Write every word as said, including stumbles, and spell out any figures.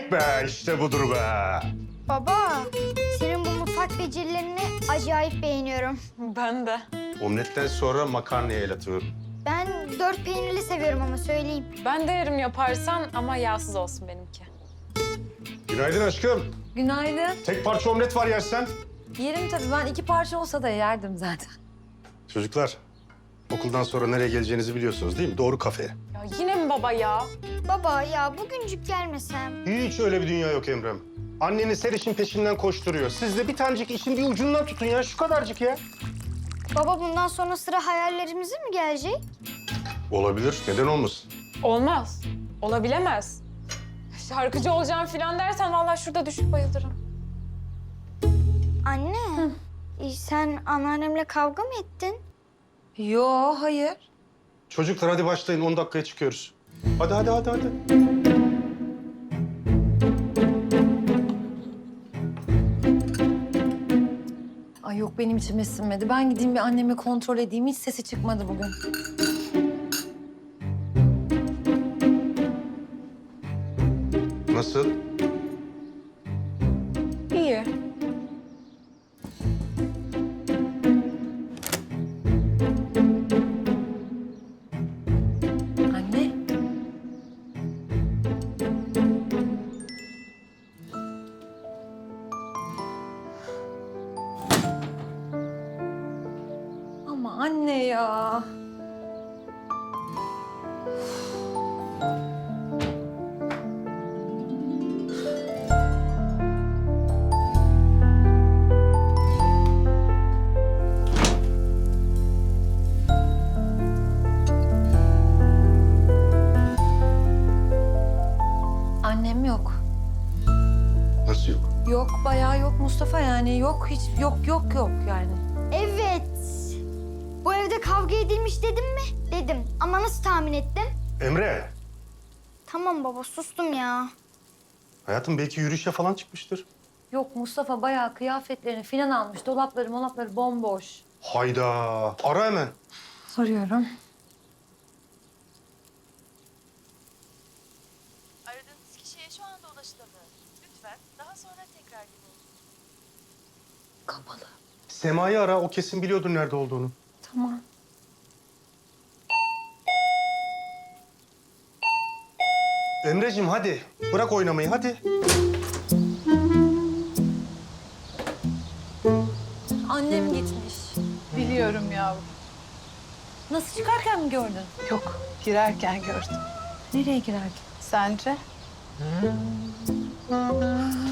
Oley be, işte budur be. Baba, senin bu mutfak becerilerini acayip beğeniyorum. Ben de. Omletten sonra makarnaya el atıyorum. Ben dört peynirli seviyorum ama söyleyeyim. Ben de yerim yaparsan ama yağsız olsun benimki. Günaydın aşkım. Günaydın. Tek parça omlet var yersen. Yerim tabii. Ben iki parça olsa da yerdim zaten. Çocuklar, okuldan sonra nereye geleceğinizi biliyorsunuz değil mi? Doğru kafeye. Ya yine mi baba ya? Baba ya bugüncük gelmesem. Hiç öyle bir dünya yok Emrem. Anneniz her işin peşinden koşturuyor. Siz de bir tanecik işin bir ucundan tutun ya, şu kadarcık ya. Baba bundan sonra sıra hayallerimize mi gelecek? Olabilir, neden olmasın? Olmaz. Olabilemez. Şarkıcı olacağım falan dersen vallahi şurada düşüp bayılırım. Anne, e, sen anneannemle kavga mı ettin? Yo, hayır. Çocuklar hadi başlayın, on dakikaya çıkıyoruz. Hadi, hadi, hadi, hadi. Ay yok, benim içime sinmedi. Ben gideyim bir annemi kontrol edeyim. Hiç sesi çıkmadı bugün. Nasıl? İyi. Anne. Ama anne ya. Annem yok. Nasıl yok? Yok, bayağı yok Mustafa, yani yok, hiç yok yok yok yani. Evet. Bu evde kavga edilmiş dedim mi? Dedim. Ama nasıl tahmin ettim? Emre, Tamam baba sustum ya. hayatım belki yürüyüşe falan çıkmıştır. Yok Mustafa, bayağı kıyafetlerini filan almış. Dolapları molapları bomboş. Hayda, ara hemen. Soruyorum. Aradığınız kişiye şu anda ulaşılamıyor. Lütfen daha sonra tekrar deneyin. Kapalı. Sema'yı ara, o kesin biliyordur nerede olduğunu. Tamam. Emreciğim hadi, bırak oynamayı hadi. Annem gitmiş. Biliyorum yavrum. Nasıl, çıkarken mi gördün? Yok, girerken gördüm. Nereye girerken? Sence?